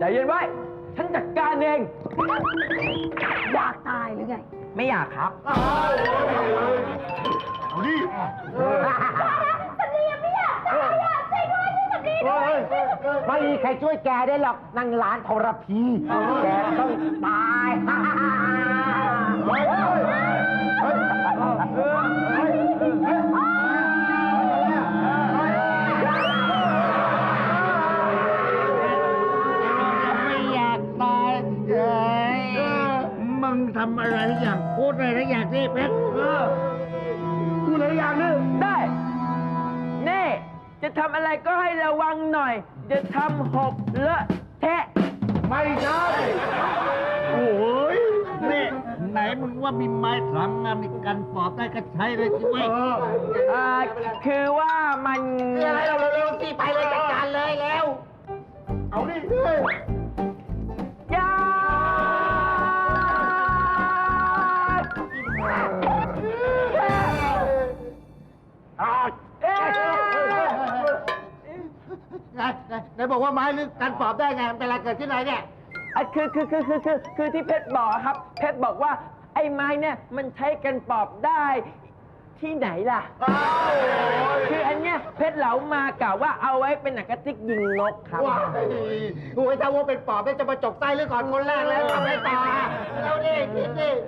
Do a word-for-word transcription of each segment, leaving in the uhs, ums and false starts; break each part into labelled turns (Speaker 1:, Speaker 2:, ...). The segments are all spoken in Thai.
Speaker 1: เย็นไว้ฉันจัดการเอง
Speaker 2: อยากตายหรือไง
Speaker 1: ไม่อยากครับ
Speaker 3: เอาดิ
Speaker 2: สำลีไม่อยากตายอยากช่วยด้วยช่วยสำลีด้วย
Speaker 4: ไม่มีใครช่วยแกได้หรอกนางร้านทรพีแกต้องตาย
Speaker 3: เฮ้ยเฮ้ยเฮ้ย
Speaker 4: ไม่อยากตายเฮ้ยมึงทำอะไรทุกอย่างพูดอะไรทุกอย่างที่เพชร
Speaker 1: พูดอะไรอย่างนึงได้เน่จะทำอะไรก็ให้ระวังหน่อยจะทำหกเลอะแทะ
Speaker 3: ไม่ใช่โอ้ย
Speaker 4: นี่ไหนมึงว่ามีไม้สามงามในการปอบได้ก็ใช้เลยสิเว้ย
Speaker 1: อ่าคือว่ามัน
Speaker 4: คืออะไรเราเร็วๆสิไปเลยจัดการเลยเร็ว
Speaker 3: เอาดิเฮ้ย
Speaker 1: ยา
Speaker 4: ไหนไหนบอกว่าไม้หรือการปอบได้ไงมันเป็นอะไรเกิดขึ้นไหนเนี่ย
Speaker 1: คือคือคือคือคือคือที่เพชรบอกครับเพชรบอกว่าไอ้ไม้เนี่ยมันใช้กันปอบได้ที่ไหนล่ะคืออันเนี้ยเพชรเหลามากะว่าเอาไว้เป็นหนังกระติกยิงนกครับ
Speaker 4: ว้าโอ้ยถ้าว่าเป็นปอบได้จะมาจกใต้หรือก่อนคนแรกแล้วทำให้ต่อแล้วดิคิดดิ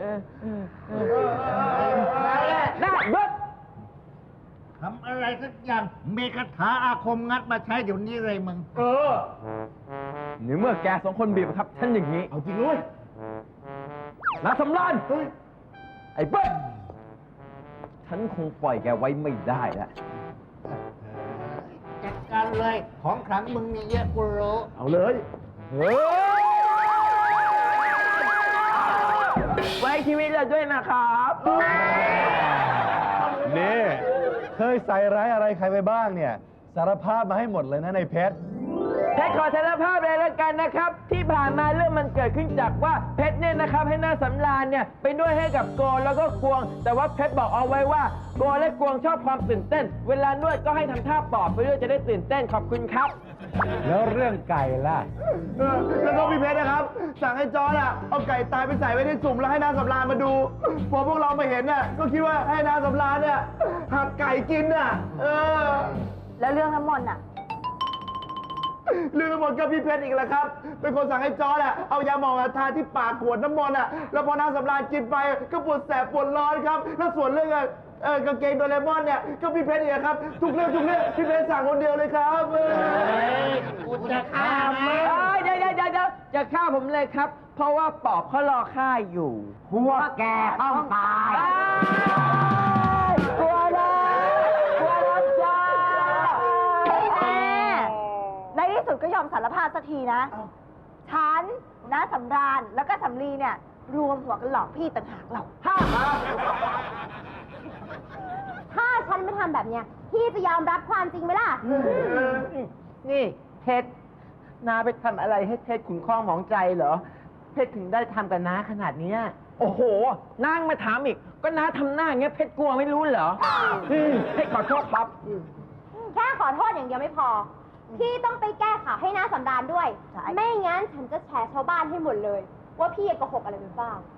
Speaker 1: ได้ยศ
Speaker 4: ทำอะไรสักอย่างมีคาถาอาคมงัดมาใช้เดี๋ยวนี้เลยมึง
Speaker 1: เออนี่เมื่อแกสองคนบีบครับฉันอย่างนี้
Speaker 3: เอาจริงเลย
Speaker 1: นาสำรานไอ้เบิ้ลฉันคงปล่อยแกไว้ไม่ได้แล้ว
Speaker 4: จัดการเลยของขลังมึงมีเยอะกูรู้
Speaker 3: เอาเลย
Speaker 1: เฮ้ยไว้ชีวิตเราด้วยนะครับ
Speaker 3: นี่เคยใส่ร้ายอะไรใครไปบ้างเนี่ยสารภาพมาให้หมดเลยนะในเพชร
Speaker 1: เพชรขอสารภาพเลยแล้วกันนะครับที่ผ่านมาเรื่องมันเกิดขึ้นจากว่าเพชรเนี่ยนะครับให้หน้าสำราญเนี่ยไปด้วยให้กับโกแล้วก็กวงแต่ว่าเพชรบอกเอาไว้ว่าโกและกวงชอบความตื่นเต้นเวลานวดก็ให้ทำท่าปอบไปด้วยจะได้ตื่นเต้นขอบคุณครับ
Speaker 3: แล้วเรื่องไก่ล่ะแล้วก็พี่เพชรนะครับสั่งให้จอร์จอ่ะเอาไก่ตายไปใส่ไว้ในสุ่มแล้วให้นางสำราญมาดูพอพวกเรามาเห็นน่ะก็คิดว่าให้นางสำราญเนี่ยหักไก่กินน่ะเออ
Speaker 2: แล้วเรื่องน้ำมนต์อ่ะ
Speaker 3: เรื่องน้ำมนต์ก็พี่เพชรอีกแล้วครับเป็นคนสั่งให้จอร์จอ่ะเอายาหมองทาที่ปากขวดน้ำมนต์อ่ะแล้วพอนางสำราญกินไปก็ปวดแสบปวดร้อนครับแล้วส่วนเรื่องเออกางเกงโดเรมอนเนี่ยก็พี่เพชรอีกครับทุกเรื่องทุกเรื่องพี่เพชรสั่งคนเดียวเลยครับ
Speaker 4: กูจะฆ่ามึง
Speaker 1: เดี๋ยวเดี๋ยวเดี๋ยวจะฆ่าผมเลยครับเพราะว่าปอบเขารอฆ่าอยู่
Speaker 4: พวกแกต้องตาย
Speaker 1: กลัวนะกลัวนะจ้า
Speaker 2: ในที่สุดก็ยอมสารภาพสักทีนะฉันน้าสำราญแล้วก็สำลีเนี่ยรวมหัวกันหลอกพี่ต่างหากเรา
Speaker 1: ฮ่า
Speaker 2: ถ้าฉันไม่ทำแบบเนี้ยพี่จะยอมรับความจริงไหมล่ะ
Speaker 1: นี่เพชรน้าไปทำอะไรให้เพชรขุนข้องหมองใจเหรอเพชรถึงได้ทำกับน้าขนาดนี้โอ้โหนางมาถามอีกก็น้าทำหน้าอย่างเงี้ยเพชรกลัวไม่รู้เหรอเพชรขอโทษครับ
Speaker 2: แค่ขอโทษอย่างเดียวไม่พอพี่ต้องไปแก้ข่าวให้น้าสำราญด้วยไม่งั้นฉันจะแชร์ชาวบ้านให้หมดเลยว่าพี่โกหกอะไรไปบ้าง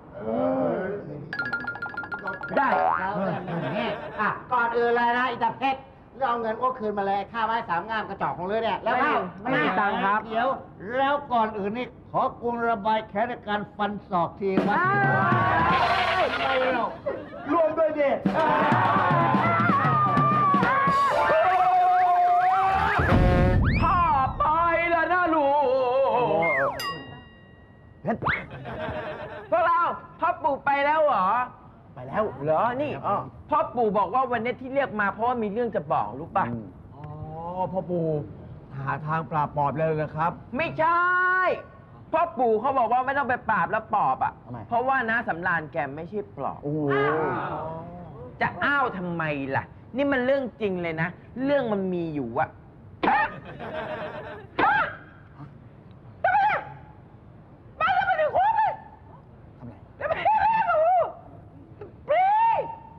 Speaker 1: ได้
Speaker 4: อ่ะก่อนอื่นเลยนะอิตาเพชรเราเอาเงินโอ้คืนมาเลยค่าไม้สามงามกระจอกของเรือเนี่ยแล้ว
Speaker 1: ไม่ไม่มีตังค์ครับ
Speaker 4: เดี๋ยวแล้วก่อนอื่นนี่ขอกวงระบายแค้นในการฟันศอกทีวะ
Speaker 3: รวมด้วยดิ
Speaker 1: พ่อไปแล้วนะลูกพวกเราพ่อปู่ไปแล้วเหรอ
Speaker 3: ไปแล้ว
Speaker 1: เหรอนี่พ่อปู่บอกว่าวันนี้ที่เรียกมาเพราะว่ามีเรื่องจะบอกรู้ป่ะ
Speaker 3: อ๋อพ่อปู่หาทางปราบปอบเลยนะครับ
Speaker 1: ไม่ใช่พ่อปู่เขาบอกว่าไม่ต้องไปปราบแล้วปอบอ่ะเพราะว่าน้าสำราญแกไม่ใช่ปอบจะอ้าวทำไมล่ะนี่มันเรื่องจริงเลยนะเรื่องมันมีอยู่อะ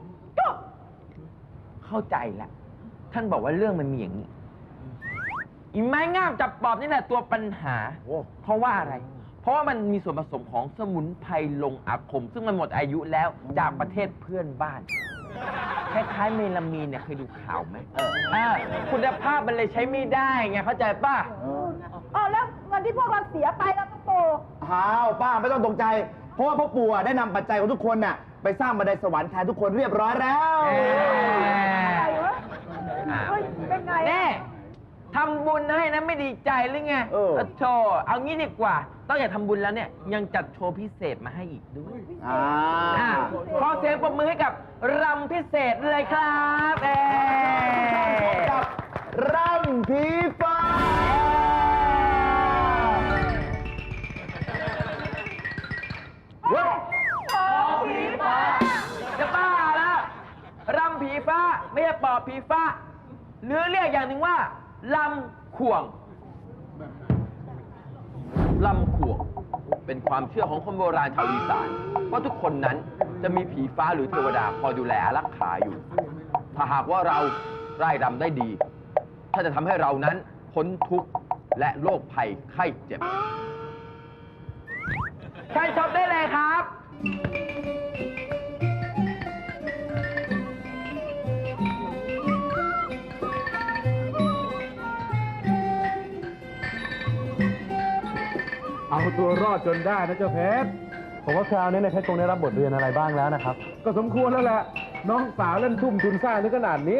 Speaker 1: เข้าใจแล้วท่านบอกว่าเรื่องมันมีอย่างนี้อีไม้งามจับปอบนี่แหละตัวปัญหา
Speaker 3: โอ้
Speaker 1: เพราะว่าอะไร เพราะว่ามันมีส่วนผสมของสมุนไพรลงอาคม ซึ่งมันหมดอายุแล้วจากประเทศเพื่อนบ้าน คล้ายๆเมลามีนเนี่ยเคยดูข่าวไหมเออเออคุณภาพมันเลยใช้ไม่ได้ไงเข้าใจป่ะ
Speaker 2: อ๋อแล้วเงินที่พวกเราเสียไปแล้วก็โต
Speaker 3: อ้าวป้าไม่ต้องตกใจ เพราะว่าพ่อปู่อะได้นำปัจจัยของทุกคนน่ะไปสร้างบันไดสวรรค์แทนทุกคนเรียบร้อยแล้ว
Speaker 2: อะไรวะ
Speaker 1: อ้าว
Speaker 2: เฮ้ยเป็นไงอะ
Speaker 1: แน่ทำบุญให้นะไม่ดีใจหรือไง
Speaker 3: เออ
Speaker 1: โชว์เอางี้ดีกว่า ต้องอย่าทำบุญแล้วเนี่ย ยังจัดโชว์พิเศษมาให้อีกด้วย
Speaker 3: อ่า
Speaker 1: อ่ะขอเสียงปรบมือให้กับรำพิเศษเลยครับเอ
Speaker 3: กับร่ำผีฟ้า
Speaker 1: จะบ้าแล้วรำผีฟ้าไม่ใช่ปอบผีฟ้า หรือเรียกอย่างหนึ่งว่าลำข่วงลำข่วง เป็นความเชื่อของคนโบราณชาวอีสานว่าทุกคนนั้นจะมีผีฟ้าหรือเทวดาคอยดูแลอารักขาอยู่ ถ้าหากว่าเราไร่รำได้ดี ถ้าจะทำให้เรานั้นพ้นทุกข์และโรคภัยไข้เจ็บใช่ชมได้เลยครับ
Speaker 5: เอาตัวรอดจนได้นะเจ้าเพชร ผมว่าคราวนี้ในยเพชรคงได้รับบทเรียนอะไรบ้างแล้วนะครับ ก็สมควรแล้วแหละ น้องสาวเล่นทุ่มทุนสร้างถึงขนาดนี้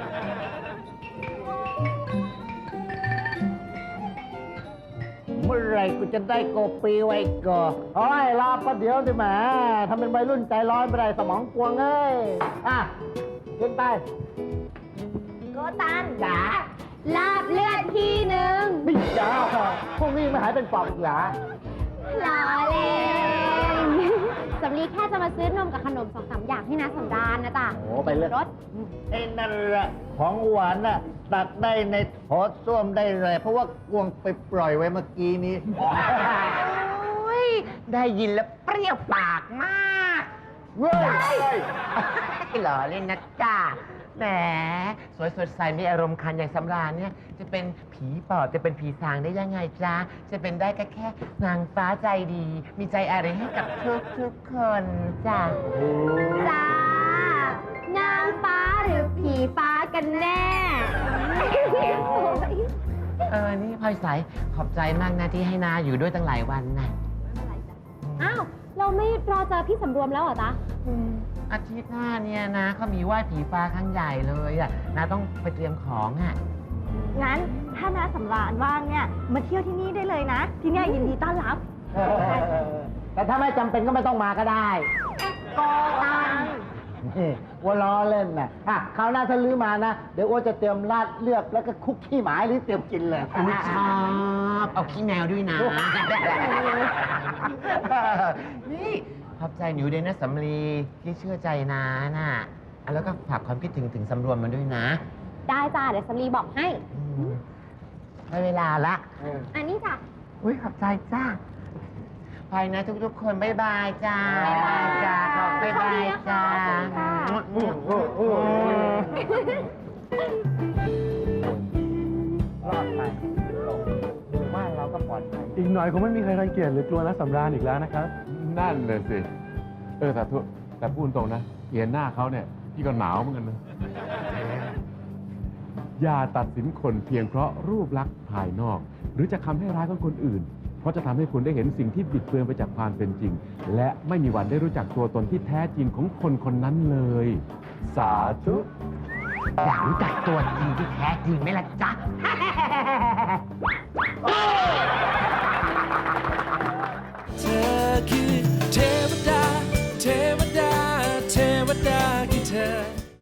Speaker 4: เมื่อไหรกูจะได้โกปีไว้ก่อนโอ้ยรอประเดี๋ยวสิแหมทำเป็นวัยรุ่นใจร้อนไปได้สมองกวงเอ้ย อ่ะขึ้นไป
Speaker 2: โกตันจ๋าลาบเลือดทีหนึ่ง
Speaker 4: ไม่จ้าพวกนี้ไม่หายเป็นปอบอีกเหรอ
Speaker 2: หล่อเลย สำลีแค่จะมาซื้อนมกับขนมสองสามอย่างให้นะสำดานนะจ๊ะ
Speaker 4: โอ้ไปเลย
Speaker 2: รถ
Speaker 4: ไอ้นั่นแหละของหวานน่ะตักได้ในโถส้วมได้เลย เพราะว่ากวงไปปล่อยไว้เมื่อกี้นี้
Speaker 6: ได้ยินแล้วเปรี้ยวปากมาก
Speaker 4: เว้ย
Speaker 6: หล่อเล่นนะจ้าแหมสวยสดใสมีอารมณ์คันอย่างสำราญเนี่ย จะเป็นผีปอบจะเป็นผีสางได้ยังไงจ้าจะเป็นได้ก็แค่นางฟ้าใจดี มีใจอะไรให้กับทุกทุกๆคนจ้า
Speaker 2: จ้า นางฟ้าหรือผีฟ้ากันแน่
Speaker 6: เออ นี่พลอยใสขอบใจมากนะที่ให้นาอยู่ด้วยตั้งหลายวันนะ
Speaker 2: อ้าว เราไม่รอเจอพี่สำรวมแล้วเหรอจ๊ะ
Speaker 6: อาทิตย์หน้าเนี่ยนะเขามีไหว้ผีฟ้าครั้งใหญ่เลยอ่ะนาต้องไปเตรียมของอ่ะ
Speaker 2: งั้นถ้าน้าสำราญว่างเนี่ย มาเที่ยวที่นี่ได้เลยนะ ที่เนี่ยยินดีต้อนรับ
Speaker 4: แต่ถ้าไม่จำเป็นก็ไม่ต้องมาก็ได้
Speaker 2: โกตัน
Speaker 4: นี่วัวล้อเล่นนะอ่ะคราวหน้าถ้าลื้อมานะ เดี๋ยวอ้วจะเตรียมราดเลือกแล้วก็คุกขี้หมาหรือเตรียมกินเลย
Speaker 6: อุ๊ยชอบเอาขี้แมวด้วยนะ นี่ขอบใจหนูด้วยนะสำลีที่เชื่อใจนาน่ะอ่ะแล้วก็ฝากความคิดถึงถึงสำรวมมาด้วยนะ
Speaker 2: ได้จ้า เดี๋ยวสำลีบอกให้
Speaker 6: อืมได้เวลาละ
Speaker 2: อันนี้จ้ะ
Speaker 6: อุ้ยขอบใจจ้าไปนะทุกๆ คนบ๊ายบายจ้า
Speaker 2: บ๊ายบาย
Speaker 6: จ้าขอบบ๊ายบายจ้า
Speaker 2: สวัสดีค่ะ
Speaker 6: อืมอืมอืม
Speaker 4: รอดไปบ้านเราก็ปลอดภัย
Speaker 5: อีกหน่อยคงไม่มีใครรังเกียจหรือกลัวนะสำราญอีกแล้วนะครับ
Speaker 7: นั่นเลยสิ เออแต่ทุแต่พูดตรงนะเห็นหน้าเขาเนี่ยพี่ก็หนาวเหมือนกันนะ อย่าตัดสินคนเพียงเพราะรูปลักษณ์ภายนอก หรือจะคำให้ร้ายของคนอื่น เพราะจะทำให้คุณได้เห็นสิ่งที่บิดเบือนไปจากความเป็นจริง และไม่มีวันได้รู้จักตัวตนที่แท้จริงของคนคนนั้นเลย สาธุ
Speaker 6: อยากรู้จักตัวจริงที่แท้จริงไหมล่ะจ๊ะฮะ